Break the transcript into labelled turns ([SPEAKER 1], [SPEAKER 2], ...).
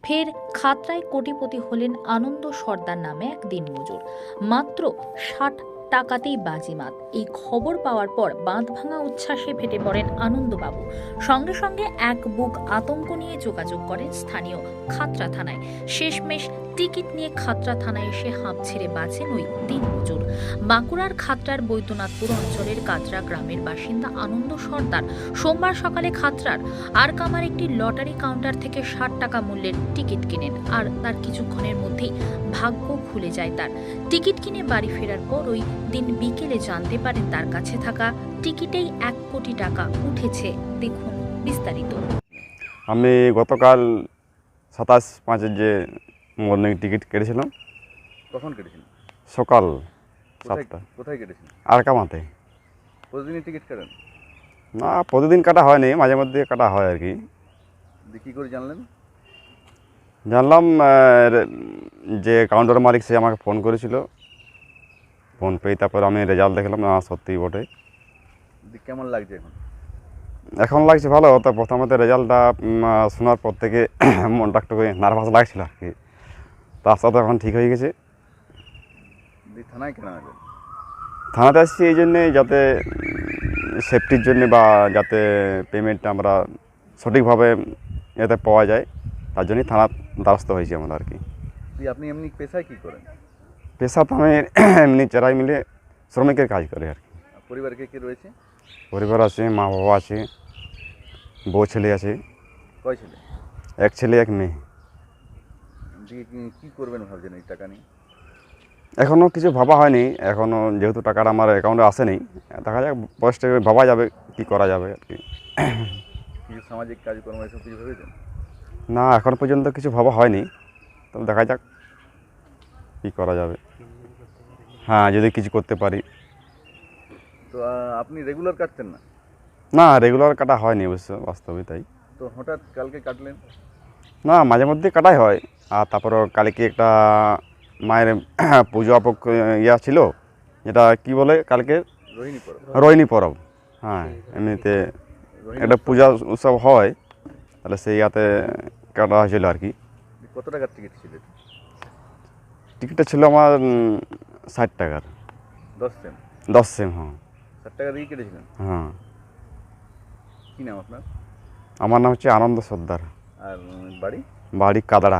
[SPEAKER 1] ফের খাতড়ায় কোটিপতি হলেন আনন্দ সর্দার নামে এক দিনমজুর। মাত্র ৬০ টাকাতেই বাজিমাত। এই খবর পাওয়ার পর বাঁধভাঙা উচ্ছ্বাসে ফেটে পড়েন আনন্দবাবু। সঙ্গে সঙ্গে এক বুক আতঙ্ক নিয়ে যোগাযোগ করেন স্থানীয় খাতড়া থানায়। শেষমেশ টিকিট নিয়ে খাতড়া থানায় এসে হাঁপ ছেড়ে বাঁচেন ওই দিনমজুর। বাঁকুড়ার খাতড়ার বৈদ্যনাথপুর অঞ্চলের কাতরা গ্রামের বাসিন্দা আনন্দ সর্দার সোমবার সকালে খাতড়ার আরকামার একটি লটারি কাউন্টার থেকে ৬০ টাকা মূল্যের টিকিট কিনেন। আর তার কিছুক্ষণের মধ্যেই ভাগ্য খুলে যায় তার। টিকিট কিনে বাড়ি ফেরার পর ওই দিন বিকেলে জানতে পারেন তার কাছে থাকা টিকিটেই ১ কোটি টাকা উঠেছে। দেখুন বিস্তারিত।
[SPEAKER 2] আমি গতকাল ২৭/৫-এর যে মর্নিং টিকিট কেটেছিলাম।
[SPEAKER 3] কখন কেটেছেন?
[SPEAKER 2] সকাল ৭টা।
[SPEAKER 3] কোথায় কেটেছেন?
[SPEAKER 2] আরকামাতে।
[SPEAKER 3] প্রতিদিনই টিকিট কাটেন?
[SPEAKER 2] না, প্রতিদিন কাটা হয়নি, মাঝে মধ্যে কাটা হয় আর কি।
[SPEAKER 3] কী করে জানলেন?
[SPEAKER 2] জানলাম যে কাউন্টার মালিক সে আমাকে ফোন করেছিল। ফোন পেয়ে তারপর আমি রেজাল্ট দেখলাম, না সত্যিই বটে।
[SPEAKER 3] কেমন লাগছে এখন?
[SPEAKER 2] এখন লাগছে ভালো। তো প্রথমত রেজাল্টটা শোনার পর থেকে মনটা একটু নার্ভাস লাগছিল আর কি। তার সাথে এখন ঠিক হয়ে গেছে।
[SPEAKER 3] থানায় কেন আসবেন?
[SPEAKER 2] থানাতে আসছি এই জন্যে, যাতে সেফটির জন্যে বা যাতে পেমেন্টটা আমরা সঠিকভাবে এতে পাওয়া যায়, তার জন্যই থানার দ্বারস্থ হয়েছি আমরা আর কি।
[SPEAKER 3] আপনি এমনি পেশায় কী করেন?
[SPEAKER 2] পেশা তো আমি এমনি চেরাই মিলে শ্রমিকের কাজ করি আর কি।
[SPEAKER 3] পরিবারে কে কে রয়েছে?
[SPEAKER 2] পরিবার আছে, মা বাবা আছে, বউ ছেলে আছে।
[SPEAKER 3] কয় ছেলে?
[SPEAKER 2] এক ছেলে এক মেয়ে।
[SPEAKER 3] কী করবেন ভাবছেন এই টাকা নিয়ে?
[SPEAKER 2] এখনও কিছু ভাবা হয়নি। এখনও যেহেতু টাকাটা আমার অ্যাকাউন্টে আসেনি, দেখা যাক বয়সটা ভাবা যাবে কী করা যাবে আর কি।
[SPEAKER 3] কিছু সামাজিক কাজকর্ম এসব কিছু ভেবেছেন?
[SPEAKER 2] না, এখন পর্যন্ত কিছু ভাবা হয়নি, তবে দেখা যাক কী করা যাবে। হ্যাঁ, যদি কিছু করতে পারি।
[SPEAKER 3] তো আপনি রেগুলার কাটতেন না?
[SPEAKER 2] না, রেগুলার কাটা হয়নি অবশ্য, বাস্তবে তাই।
[SPEAKER 3] তো হঠাৎ কালকে কাটলেন?
[SPEAKER 2] না, মাঝে মধ্যে কাটাই হয়। আর তারপরও কালকে একটা মায়ের পুজো ইয়া ছিল, যেটা কি বলে কালকে
[SPEAKER 3] রোহিণী পরব।
[SPEAKER 2] রোহিণী পরব। হ্যাঁ, এমনিতে একটা পূজা উৎসব হয়, তাহলে সেই ইয়াতে কাটা হয়েছিল আর কি।
[SPEAKER 3] কত টাকার টিকিট ছিল?
[SPEAKER 2] টিকিটটা ছিল আমার ৬০ টাকার।
[SPEAKER 3] 10 সেম?
[SPEAKER 2] 10 সেম, হ্যাঁ।
[SPEAKER 3] 60 টাকা দিয়ে কেটেছিলেন?
[SPEAKER 2] হ্যাঁ।
[SPEAKER 3] কী নাম আপনার?
[SPEAKER 2] আমার নাম হচ্ছে আনন্দ সর্দার।
[SPEAKER 3] আর বাড়ি?
[SPEAKER 2] বাড়ি কাদড়া।